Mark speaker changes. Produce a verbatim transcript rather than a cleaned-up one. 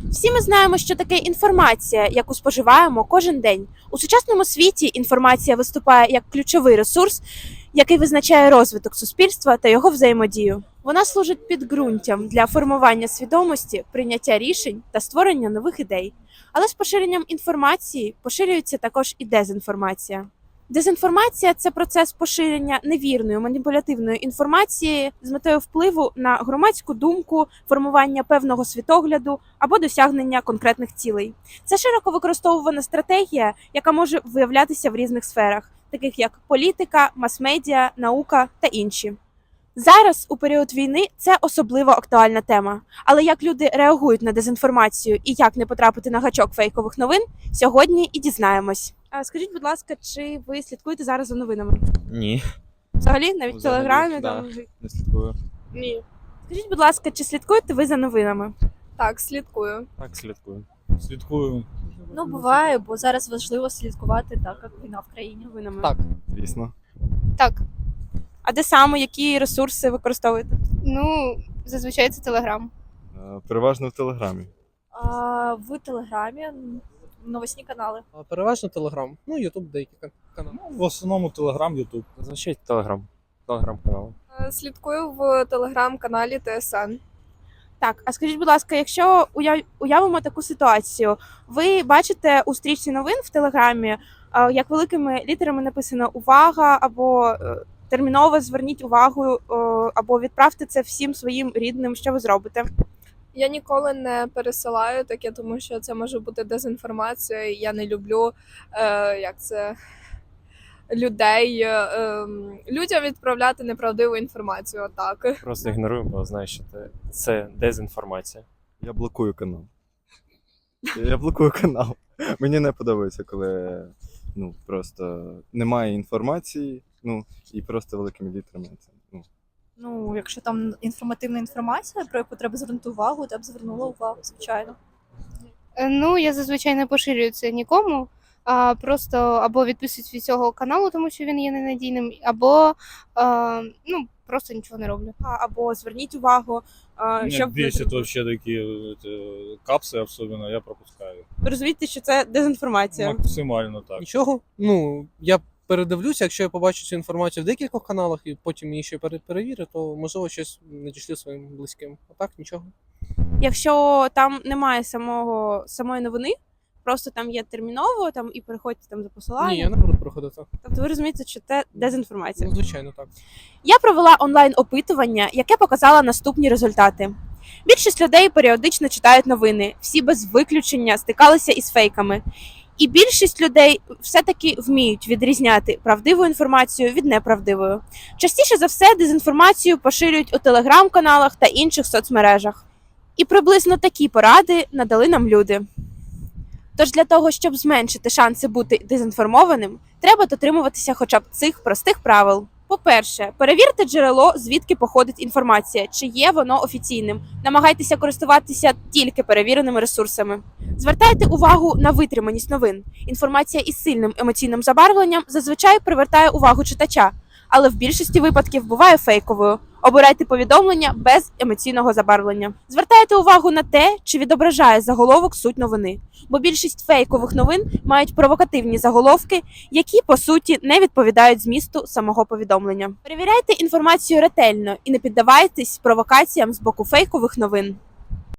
Speaker 1: Всі ми знаємо, що таке інформація, яку споживаємо кожен день. У сучасному світі інформація виступає як ключовий ресурс, який визначає розвиток суспільства та його взаємодію. Вона служить підґрунтям для формування свідомості, прийняття рішень та створення нових ідей. Але з поширенням інформації поширюється також і дезінформація. Дезінформація – це процес поширення невірної, маніпулятивної інформації з метою впливу на громадську думку, формування певного світогляду або досягнення конкретних цілей. Це широко використовувана стратегія, яка може виявлятися в різних сферах, таких як політика, мас-медіа, наука та інші. Зараз, у період війни, це особливо актуальна тема. Але як люди реагують на дезінформацію і як не потрапити на гачок фейкових новин, сьогодні і дізнаємось. А скажіть, будь ласка, чи ви слідкуєте зараз за новинами?
Speaker 2: Ні.
Speaker 1: Взагалі, навіть в
Speaker 2: Взагалі,
Speaker 1: Телеграмі?
Speaker 2: да.
Speaker 1: Там...
Speaker 2: Не слідкую.
Speaker 1: Ні. Скажіть, будь ласка, чи слідкуєте ви за новинами?
Speaker 3: Так, слідкую.
Speaker 2: Так, слідкую.
Speaker 4: Слідкую.
Speaker 5: Ну, буває, бо зараз важливо слідкувати, так як війна в країні.
Speaker 1: Новинами.
Speaker 4: Так.
Speaker 2: Звісно.
Speaker 3: Так.
Speaker 1: А де саме, які ресурси використовуєте?
Speaker 3: Ну, зазвичай це Телеграм.
Speaker 2: Е, Переважно в Телеграмі.
Speaker 5: А в Телеграмі новосні канали.
Speaker 4: А переважно Телеграм. Ну, Ютуб деякі кан- канали.
Speaker 6: В основному Телеграм, Ютуб.
Speaker 2: Зазвичай Телеграм. Телеграм-канал.
Speaker 3: Е, Слідкую в телеграм-каналі Т С Н.
Speaker 1: Так, а скажіть, будь ласка, якщо уяв... уявимо таку ситуацію, ви бачите у стрічці новин в Телеграмі, а, як великими літерами написано «Увага» або е, «Терміново зверніть увагу» е, або «Відправте це всім своїм рідним», що ви зробите?
Speaker 3: Я ніколи не пересилаю таке, тому що це може бути дезінформація. І я не люблю е, як це, людей, е, е, людям відправляти неправдиву інформацію. Отак.
Speaker 7: Просто ігнорую, бо знаю, що це, це дезінформація.
Speaker 2: Я блокую канал. Я блокую канал. Мені не подобається, коли ну, просто немає інформації, ну, і просто великими літерами. Це, ну.
Speaker 5: Ну, якщо там інформативна інформація, про яку треба звернути увагу, то я б звернула увагу, звичайно.
Speaker 3: Е, Ну, я зазвичай не поширюю це нікому. А просто або відписуюсь від цього каналу, тому що він є ненадійним, або е, ну, просто нічого не роблю.
Speaker 1: А, Або зверніть увагу, е,
Speaker 6: Меня
Speaker 1: щоб ви...
Speaker 6: бесит вообще такие это, капсы особенно, я пропускаю.
Speaker 1: ви розумієте, що це дезінформація.
Speaker 6: Максимально так.
Speaker 4: Нічого. Ну, я передивлюся, якщо я побачу цю інформацію в декількох каналах і потім її ще пере- перевірю, то можливо щось надішлю своїм близьким. А так нічого.
Speaker 1: Якщо там немає самого самої новини, просто там є терміново, там і переходьте там за посиланням.
Speaker 4: Ні, я не буду проходити.
Speaker 1: Тобто ви розумієте, що це дезінформація.
Speaker 4: Ну, звичайно, так.
Speaker 1: Я провела онлайн-опитування, яке показало наступні результати. Більшість людей періодично читають новини, всі без виключення стикалися із фейками. І більшість людей все-таки вміють відрізняти правдиву інформацію від неправдивої. Частіше за все дезінформацію поширюють у телеграм-каналах та інших соцмережах. І приблизно такі поради надали нам люди. Тож для того, щоб зменшити шанси бути дезінформованим, треба дотримуватися хоча б цих простих правил. По-перше, перевірте джерело, звідки походить інформація, чи є воно офіційним. Намагайтеся користуватися тільки перевіреними ресурсами. Звертайте увагу на витриманість новин. Інформація із сильним емоційним забарвленням зазвичай привертає увагу читача, але в більшості випадків буває фейковою. Обирайте повідомлення без емоційного забарвлення. Звертайте увагу на те, чи відображає заголовок суть новини, бо більшість фейкових новин мають провокативні заголовки, які, по суті, не відповідають змісту самого повідомлення. Перевіряйте інформацію ретельно і не піддавайтесь провокаціям з боку фейкових новин.